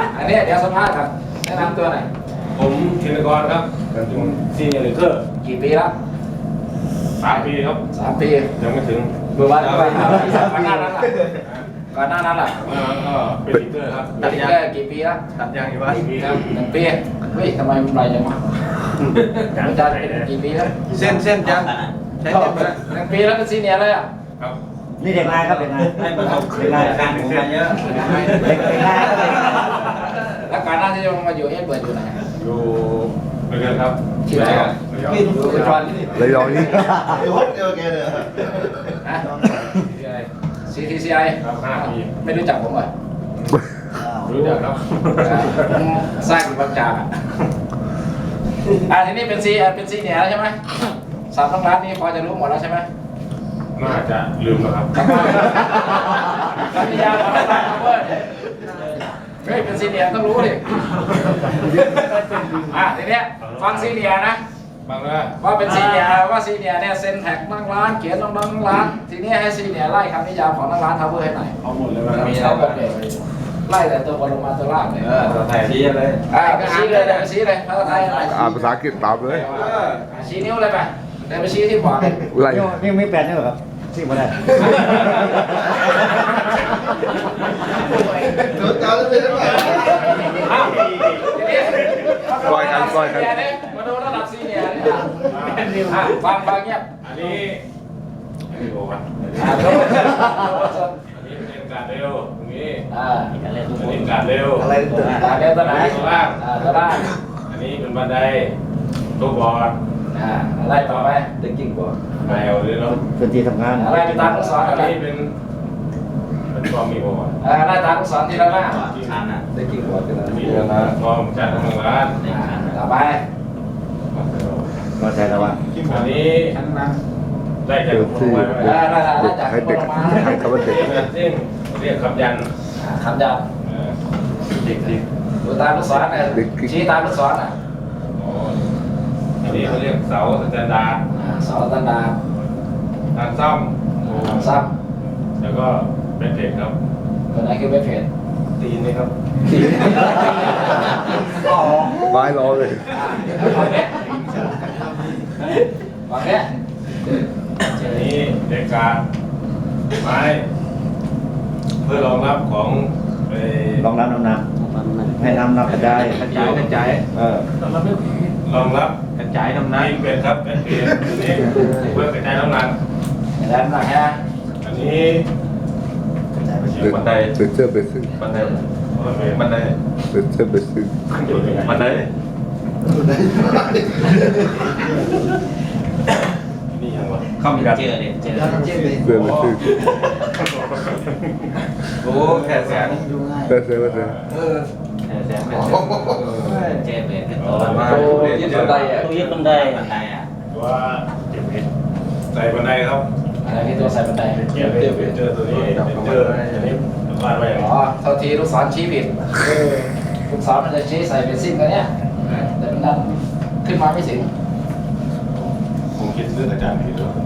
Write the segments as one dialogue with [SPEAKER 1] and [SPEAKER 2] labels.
[SPEAKER 1] อันนี้เดี๋ยวสัมภาษณ์ครับแนะนำตัวหน่อย
[SPEAKER 2] ผมธินกรครับผมซีเนียร์ลีดเดอร์
[SPEAKER 1] กี่ปีแล้ว
[SPEAKER 2] 3 ปีครับ
[SPEAKER 1] 3 ปี
[SPEAKER 2] ยังไม่ถึง
[SPEAKER 1] เมื่อวานก็ไปก่อนหน้านั้นล่ะก่อนหน้านั้นล่ะ
[SPEAKER 2] ก็เป็นลีดเดอร์ครับ
[SPEAKER 1] ตัดแค่กี่ปีแล้ว
[SPEAKER 2] ตัดยางอยู่ว่า1 ปีครับ
[SPEAKER 1] 1 ปีเฮ้ยทำไมมันไรจังวะอาจารย์เป็นกี่ปีแล้ว
[SPEAKER 2] เส้นจังใช้เส้นไป
[SPEAKER 1] 1 ปีแล้วเป็นซีเนียร์เลยอ่ะ
[SPEAKER 2] ครับ
[SPEAKER 3] นี่เด็กนายครับเด็กนาย
[SPEAKER 2] ให้ประสบ
[SPEAKER 3] เด็กนาย
[SPEAKER 2] การณ์ผมมาเยอะ
[SPEAKER 3] เด็กนายครับเด็กนาย
[SPEAKER 1] แล้วก่อนหน้าที่จะมาอยู่เปิดอยู่ไหน
[SPEAKER 2] อยู่เรือนครับ
[SPEAKER 1] ที่ไหนอ่ะอยู่อุดร
[SPEAKER 4] ระยองนี่
[SPEAKER 5] เดี๋ยวเจอแกเลย
[SPEAKER 1] ฮะ CTCI
[SPEAKER 2] ครับ5 ปี
[SPEAKER 1] ไม่รู้จักผมเหรอ
[SPEAKER 2] รู้จักครับ
[SPEAKER 1] ผมสร้างอยู่บางจากทีนี้เป็นซีเนียร์แล้วใช่ไหมสามต้องร้านนี้พอจะรู้หมดแล้วใช่ไหม
[SPEAKER 2] น่าจะลืมแล้วครับ
[SPEAKER 1] รัฐยาของเราเว้ยเฮ้ยเป็นซีเนียร์ต้องรู้ดิทีเนี้ยฟังซีเนียร์นะ
[SPEAKER 2] บางแล้ว
[SPEAKER 1] ว่าเป็นซีเนียร์ว่าซีเนียร์เนี่ยเซ็นแท็กนั่งร้านเขียนนั่งร้านทีนี้ให้ซีเนียร์ไล่คำนิยามของนั่งร้านทาวเวอร์ให้หน่อย
[SPEAKER 2] เอาหมดเลย
[SPEAKER 1] มีอะไรบ้างเนี่ยไล่แต่ตัวบนลงมาตัวล่างเลย
[SPEAKER 2] ไทยชี้เลย
[SPEAKER 1] ก็ชี้เลยเลยชี้เลยภาษาไทยอะไร
[SPEAKER 4] อ่านภาษาอังกฤษตามเลย
[SPEAKER 1] ชี้นิ้วเลยไปเดินไปชี้ที่ขวาเลย
[SPEAKER 4] ไร
[SPEAKER 3] นี่ไม่แปลนนี่หรอครับที่มาได้
[SPEAKER 5] รถจอดไม่ได้ไหม
[SPEAKER 4] ปล่อยกันปล่อยกัน
[SPEAKER 1] มาดูระดับซีเนียร์ฟังเงียบ
[SPEAKER 2] อันนี้ไม่รู้ครับ
[SPEAKER 1] ดู
[SPEAKER 2] อันนี้เป็นการเร็วตรงนี้
[SPEAKER 3] การเล่นทุก
[SPEAKER 2] อัน
[SPEAKER 3] คน
[SPEAKER 2] นี้การเร็ว
[SPEAKER 5] อะไรตื่น
[SPEAKER 1] เดินตัวไหน
[SPEAKER 2] ตัวล่าง
[SPEAKER 1] ตัวล่าง
[SPEAKER 2] อันนี้เป็นบันไดตัวบอร์ด
[SPEAKER 1] ไล่ต่อไป
[SPEAKER 5] เด็กกิ้งบอร์ด
[SPEAKER 2] แมวเลยเนาะ
[SPEAKER 3] เป็นที่ทำงาน
[SPEAKER 1] อะไรเป็นตามลูกศร
[SPEAKER 2] อั
[SPEAKER 1] อะ
[SPEAKER 2] น
[SPEAKER 1] ไร
[SPEAKER 2] นี้เป็นความมีบอร์ด
[SPEAKER 1] ไล่ตามลูกศรทีละหน้า
[SPEAKER 5] เด็กกิ้งบอร์ดกันแล้ว
[SPEAKER 2] มีนะพร้อมจัดทำงาน
[SPEAKER 1] ต่อไป
[SPEAKER 3] ก็ใช่แล้วว่า
[SPEAKER 2] อันนี้ได้จาก
[SPEAKER 4] เดี๋ยว
[SPEAKER 2] คน
[SPEAKER 4] ที่
[SPEAKER 2] ไว้
[SPEAKER 4] เด็กให้เด็กให้คำว่าเด็ก
[SPEAKER 2] ซึ่งเรียกคำยัน
[SPEAKER 1] คำยัน
[SPEAKER 2] เด็ก
[SPEAKER 1] ดูตามลูกศรชี้ตามลูกศร
[SPEAKER 2] อันนี้เขาเรียกเสาสแตนดาร์ด
[SPEAKER 1] เสาตันดา
[SPEAKER 2] ทางซ่อม
[SPEAKER 1] ซ้
[SPEAKER 2] แล้วก็เป็นเพจครับ
[SPEAKER 1] ำตัวไหนคือไม่เผ็ด
[SPEAKER 2] ตีนนี่ครับ
[SPEAKER 4] ไม้รอเลย
[SPEAKER 1] ฝั่งนี้ฝั่งนี้
[SPEAKER 2] อันนี้เด็กกาไม้เพื่อรองรับของไป
[SPEAKER 3] ลองน้ำให้น้ำกระจาย
[SPEAKER 1] กระจาย
[SPEAKER 2] รองรับ
[SPEAKER 1] กระจายน้ำหนัก
[SPEAKER 2] ตีนเป็ดครับเป็นเพจอันนี้เพื่อกระจายน้ำหนัก
[SPEAKER 1] แล้วน้ำหนักฮะ
[SPEAKER 2] อันนี้
[SPEAKER 4] เด็กเด็กเชื่อไปซื้อ
[SPEAKER 2] บันไดบันได
[SPEAKER 4] เด็กเชื่อไปซื้อ
[SPEAKER 2] บันไดนี่ยังวะ
[SPEAKER 3] เข้ามีเจอเนี่ยเจอ
[SPEAKER 4] เดินไปซื้อ
[SPEAKER 2] โอ้แค่แสน
[SPEAKER 4] ได้เสียว่าเสีย
[SPEAKER 3] แสงเป็นเจอเป็นขึ้นตัว
[SPEAKER 1] ยึดบันไดอ่ะ
[SPEAKER 3] ตัวยึดบันไดอ่ะ
[SPEAKER 2] ตัวเจ็บเพชรใส่บันไดครับ
[SPEAKER 1] อะไรที่ตัวใส่บันได
[SPEAKER 2] เจ็บเพชรเจอตัวนี้เจออันนี้วาดไว้อย่างนี้
[SPEAKER 1] เท่าทีลูกศรชี้ผิดลูกศรมันจะชี้ใส่เป็นซิ่งกันเนี้ยแต่มันดันขึ้นมาไม่ถึง
[SPEAKER 2] ผมคิดเรื่องอาจารย์ผิดแล้ว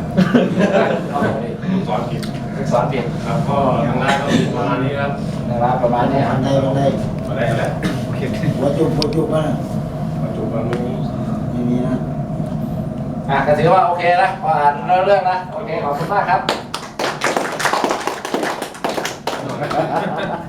[SPEAKER 2] ลูกศรผิด
[SPEAKER 1] ลูกศรผิด
[SPEAKER 2] ครับก็ทางด้านก็มีประมาณนี้ครับ
[SPEAKER 1] นะครับประมาณนี้
[SPEAKER 5] บันไดบันได
[SPEAKER 2] มาได้แล้ว
[SPEAKER 5] หัวจุกป่ะ
[SPEAKER 2] ปัจจุบันนี้
[SPEAKER 5] ไม่มีนะ
[SPEAKER 1] ก็ถือว่าโอเคนะพออ่านเรื่องนะโอเคขอบคุณมากครับ